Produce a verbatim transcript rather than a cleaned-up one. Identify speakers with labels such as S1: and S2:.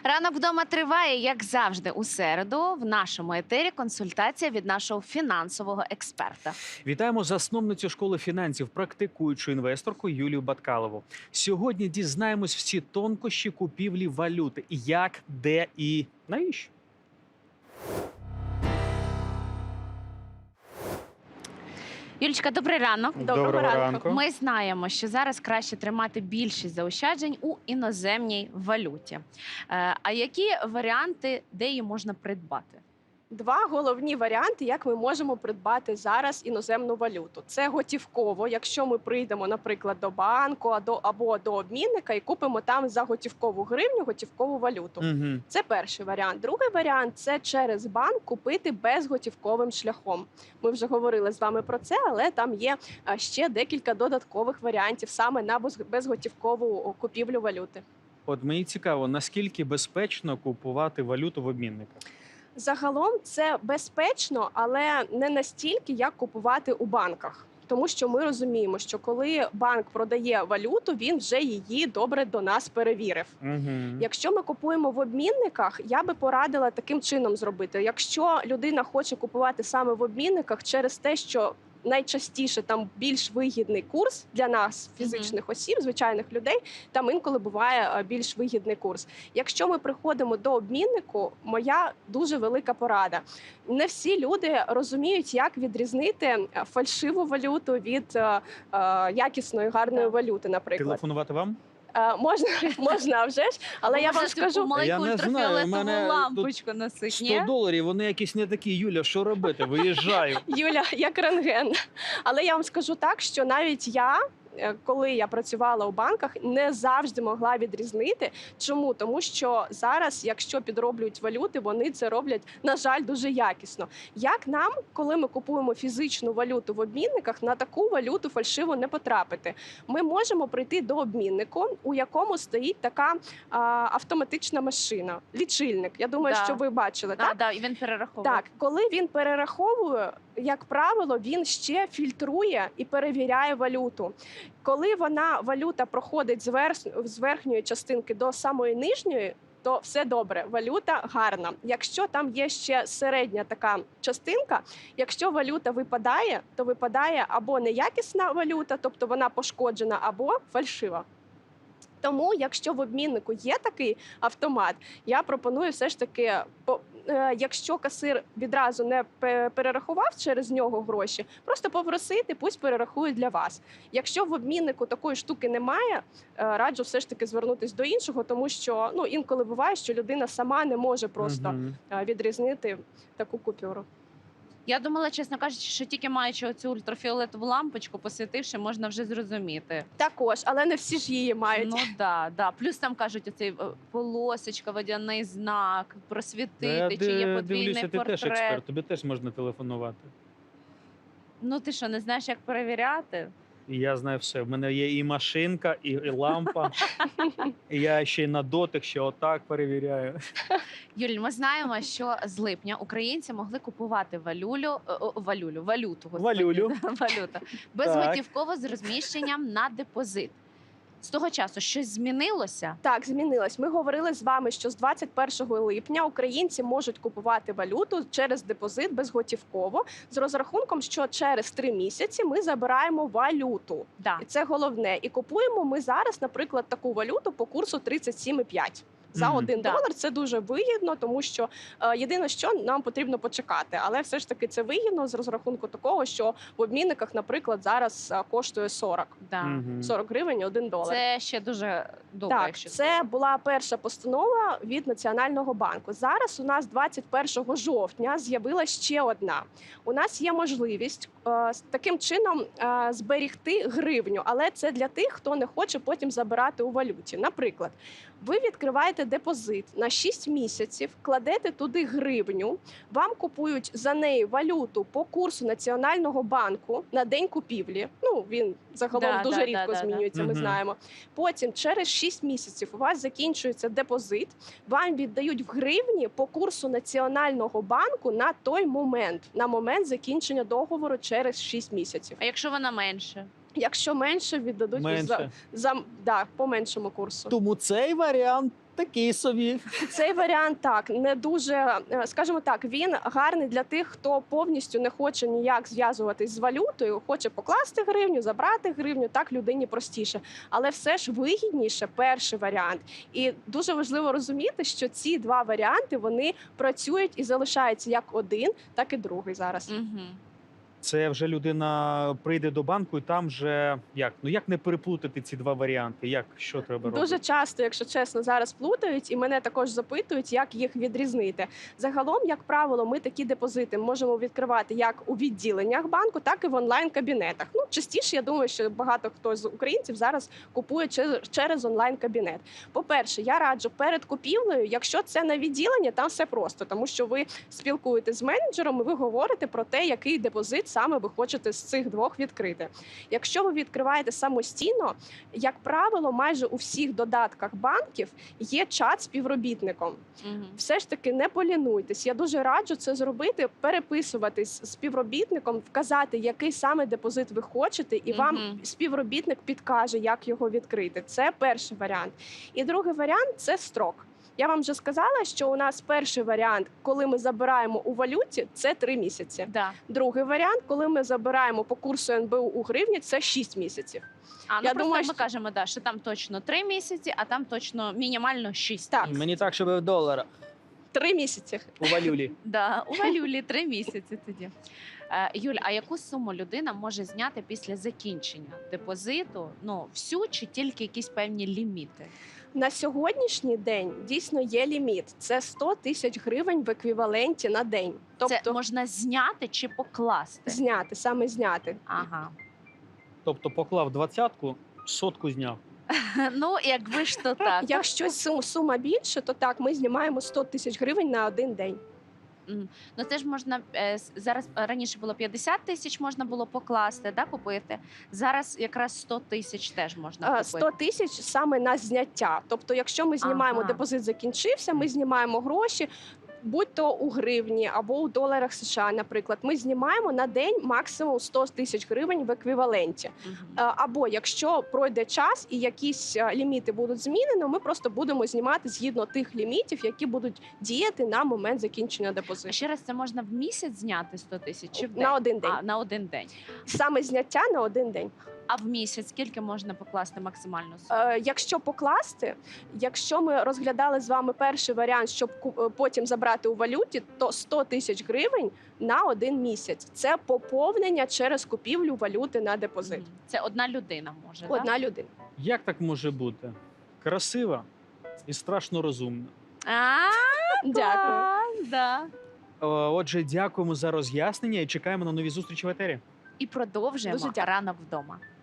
S1: Ранок вдома триває, як завжди, у середу. В нашому етері консультація від нашого фінансового експерта.
S2: Вітаємо засновницю школи фінансів, практикуючу інвесторку Юлію Баткалову. Сьогодні дізнаємось всі тонкощі купівлі валюти. Як, де і навіщо?
S1: Юлічка, добрий ранок.
S2: Доброго ранку. ранку.
S1: Ми знаємо, що зараз краще тримати більшість заощаджень у іноземній валюті. Е, А які варіанти, де її можна придбати?
S3: Два головні варіанти, як ми можемо придбати зараз іноземну валюту. Це готівково, якщо ми прийдемо, наприклад, до банку або, або до обмінника і купимо там за готівкову гривню готівкову валюту.
S2: Угу.
S3: Це перший варіант. Другий варіант – це через банк купити безготівковим шляхом. Ми вже говорили з вами про це, але там є а, ще декілька додаткових варіантів саме на без- безготівкову купівлю валюти.
S2: От мені цікаво, наскільки безпечно купувати валюту в обмінниках?
S3: Загалом це безпечно, але не настільки, як купувати у банках. Тому що ми розуміємо, що коли банк продає валюту, він вже її добре до нас перевірив.
S2: Угу.
S3: Якщо ми купуємо в обмінниках, я би порадила таким чином зробити. Якщо людина хоче купувати саме в обмінниках через те, що найчастіше там більш вигідний курс для нас, фізичних осіб, звичайних людей, там інколи буває е, більш вигідний курс. Якщо ми приходимо до обміннику, моя дуже велика порада. Не всі люди розуміють, як відрізнити е, фальшиву валюту від е, е, якісної, гарної
S1: Так.
S3: валюти, наприклад.
S2: Телефонувати вам?
S3: Е, можна, можна, а вже ж, але я вам скажу,
S1: маленьку
S2: Я не знаю, у
S1: ультрафіолетову
S2: мене тут
S1: лампочку носить,
S2: сто
S1: ні?
S2: доларів, вони якісь не такі. Юля, що робити? Виїжджаю.
S3: Юля, як рентген. Але я вам скажу так, що навіть я, е, коли я працювала у банках, не завжди могла відрізнити. Чому? Тому що зараз, якщо підроблюють валюти, вони це роблять, на жаль, дуже якісно. Як нам, коли ми купуємо фізичну валюту в обмінниках, на таку валюту фальшиву не потрапити? Ми можемо прийти до обміннику, у якому стоїть така а, автоматична машина, лічильник. Я думаю,
S1: Да.
S3: що ви бачили,
S1: Так,
S3: так?
S1: да, і він перераховує.
S3: Так, коли він перераховує, як правило, він ще фільтрує і перевіряє валюту. Коли вона валюта проходить з, верх- з верхньої частинки до самої нижньої, то все добре, валюта гарна. Якщо там є ще середня така частинка, якщо валюта випадає, то випадає або неякісна валюта, тобто вона пошкоджена, або фальшива. Тому, якщо в обміннику є такий автомат, я пропоную все ж таки, по- е, якщо касир відразу не пе- перерахував через нього гроші, просто попросити, пусть перерахують для вас. Якщо в обміннику такої штуки немає, е, раджу все ж таки звернутися до іншого, тому що ну, інколи буває, що людина сама не може просто
S2: Мгм.
S3: е, відрізнити таку купюру.
S1: Я думала, чесно кажучи, що тільки маючи оцю ультрафіолетову лампочку, посвітивши, можна вже зрозуміти.
S3: Також, але не всі ж її мають.
S1: Ну да, да. Плюс там кажуть, оцей е, полосочка, водяний знак,
S2: Та я
S1: просвітити, чи є
S2: ди-
S1: подвійний
S2: дивлюся, ти теж
S1: портрет.
S2: експерт, тобі теж можна телефонувати.
S1: Ну ти що, не знаєш, як перевіряти?
S2: І я знаю все. В мене є і машинка, і, і лампа. І я ще й на дотик, ще отак перевіряю.
S1: Юль, ми знаємо, що з липня українці могли купувати валюлю, е, о, валюлю, валюту, господи,
S2: Валюлю.
S1: валюта, безготівково з розміщенням на депозит. З того часу щось змінилося?
S3: Так, змінилось. Ми говорили з вами, що з двадцять першого липня українці можуть купувати валюту через депозит безготівково з розрахунком, що через три місяці ми забираємо валюту.
S1: Да.
S3: І це головне. І купуємо ми зараз, наприклад, таку валюту по курсу тридцять сім і п'ять. За
S2: Мгм.
S3: один
S1: Да.
S3: долар це дуже вигідно, тому що е, єдине, що нам потрібно почекати, але все ж таки це вигідно з розрахунку такого, що в обмінниках, наприклад, зараз е, коштує сорок.
S1: Да.
S2: Мгм.
S3: сорок гривень один долар.
S1: Це ще дуже добре,
S3: Так,
S1: якщо
S3: це була перша постанова від Національного банку. Зараз у нас двадцять першого жовтня з'явилася ще одна. У нас є можливість е, з таким чином е, зберігти гривню, але це для тих, хто не хоче потім забирати у валюті. Наприклад, ви відкриваєте депозит на шість місяців, кладете туди гривню, вам купують за неї валюту по курсу Національного банку на день купівлі. Ну, він загалом
S1: Да,
S3: дуже
S1: да,
S3: рідко
S1: да, да, да.
S3: змінюється, ми
S2: Мгм.
S3: знаємо. Потім через шість місяців у вас закінчується депозит, вам віддають в гривні по курсу Національного банку на той момент, на момент закінчення договору через шість місяців.
S1: А якщо вона менше?
S3: Якщо менше, віддадуть
S2: Менше.
S3: за, за да, по меншому курсу.
S2: Тому цей варіант Такий собі.
S3: Цей варіант так не дуже, е, скажімо так, він гарний для тих, хто повністю не хоче ніяк зв'язуватись з валютою, хоче покласти гривню, забрати гривню. Так людині простіше, але все ж вигідніше перший варіант. І дуже важливо розуміти, що ці два варіанти вони працюють і залишаються як один, так і другий зараз.
S1: Угу.
S2: Це вже людина прийде до банку, і там вже як? Ну як не переплутати ці два варіанти? Як що треба робити?
S3: Дуже часто, якщо чесно, зараз плутають, і мене також запитують, як їх відрізнити. Загалом, як правило, ми такі депозити можемо відкривати як у відділеннях банку, так і в онлайн-кабінетах. Ну, частіше, я думаю, що багато хто з українців зараз купує через, через онлайн-кабінет. По-перше, я раджу перед купівлею, якщо це на відділення, там все просто, тому що ви спілкуєтесь з менеджером, і ви говорите про те, який депозит саме ви хочете з цих двох відкрити. Якщо ви відкриваєте самостійно, як правило, майже у всіх додатках банків є чат з співробітником.
S1: Угу.
S3: Все ж таки не полінуйтесь. Я дуже раджу це зробити, переписуватись з співробітником, вказати, який саме депозит ви хочете, і вам
S1: Мгм.
S3: співробітник підкаже, як його відкрити. Це перший варіант. І другий варіант це строк. Я вам вже сказала, що у нас перший варіант, коли ми забираємо у валюті, це три місяці.
S1: Да.
S3: Другий варіант, коли ми забираємо по курсу ен бе у у гривні, це шість місяців.
S1: А ну
S3: Я
S1: просто
S3: думаю,
S1: ми
S3: що-
S1: кажемо, да, що там точно три місяці, а там точно мінімально шість.
S3: Так.
S2: Мені так, щоб в доларах
S3: Три місяці.
S2: у валюлі.
S1: Да, у валюлі три місяці тоді. Е, Юль, а яку суму людина може зняти після закінчення депозиту? Ну, всю чи тільки якісь певні ліміти?
S3: На сьогоднішній день дійсно є ліміт. Це сто тисяч гривень в еквіваленті на день. Тобто
S1: Це можна зняти чи покласти?
S3: зняти, саме зняти.
S1: Ага.
S2: Тобто поклав двадцятку, сотку зняв.
S1: Ну, якби ж то так.
S3: Якщо сум- сума більше, то так, ми знімаємо сто тисяч гривень на один день.
S1: Мгм. Ну це ж можна е, с- зараз е, раніше було п'ятдесят тисяч, можна було покласти, да, купити. Зараз якраз сто тисяч теж можна
S3: А,
S1: купити.
S3: сто тисяч саме на зняття. Тобто, якщо ми знімаємо
S1: Ага.
S3: депозит, закінчився, ми знімаємо гроші. Будь-то у гривні або у доларах США, наприклад, ми знімаємо на день максимум сто тисяч гривень в еквіваленті.
S1: Мгм.
S3: Е, Або якщо пройде час і якісь е, ліміти будуть змінені, ми просто будемо знімати згідно тих лімітів, які будуть діяти на момент закінчення
S1: А
S3: депозиту.
S1: ще раз, це можна в місяць зняти сто тисяч чи в день?
S3: На один день.
S1: А, на один день.
S3: Саме зняття на один день.
S1: А в місяць скільки можна покласти максимальну суму?
S3: Е, Якщо покласти, якщо ми розглядали з вами перший варіант, щоб ку- е, потім забрати у валюті, то сто тисяч гривень на один місяць. Це поповнення через купівлю валюти на депозит.
S1: Мгм. Це одна людина може,
S3: Одна людина.
S2: Як так може бути? Красива і страшно розумна.
S1: да? А,
S3: Дякую.
S1: клас, да.
S2: Е, Отже, дякуємо за роз'яснення і чекаємо на нові зустрічі в етері.
S1: І продовжуємо
S3: Дуже дякую.
S1: рано вдома.